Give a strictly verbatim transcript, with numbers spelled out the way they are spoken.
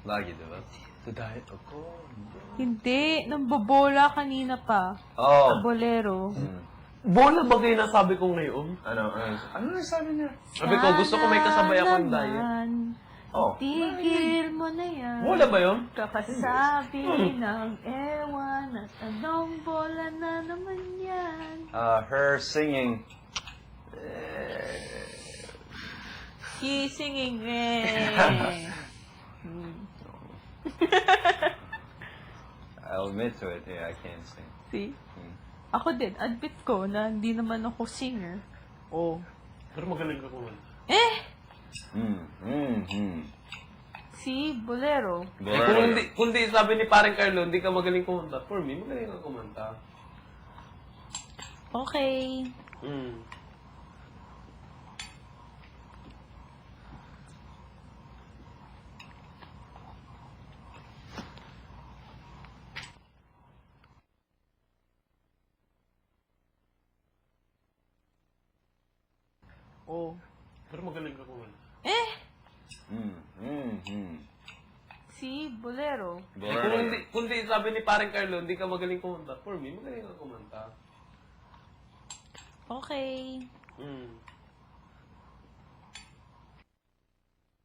Lagi, di ba? To diet ako. Hindi, nambobola kanina pa. Oh. Bolero. Hmm. Bola ba kayo nasabi ko ngayon? Ano, ano, ano na sabi niya? Sabi ko, gusto ko may kasabay akong Sana diet. naman, Oh. Tigil mo na yan. Bola ba yun? Kakasabi ng ewan at anong bola na naman yan. Uh, her singing. She singing eh. Hmm. I'll admit to it. Yeah, I can't sing. See? Hmm. Ako din, admit ko na hindi naman ako singer. Oh. Pero magaling ka kumanta. Eh! Hmm. Hmm. Hmm. Si Bolero. Eh, kung hindi, kung hindi sabi ni parang Carlo, hindi ka magaling kumanta. For me, magaling ka kumanta. Okay. Mm. Oh. Pero magaling ka kumanta. Eh! Hmm. Hmm. Hmm. Si Bolero. Eh, kung hindi, kung hindi sabi ni parang Carlo, hindi ka magaling kumanta. For me, magaling ka kumanta. Okay. Mm.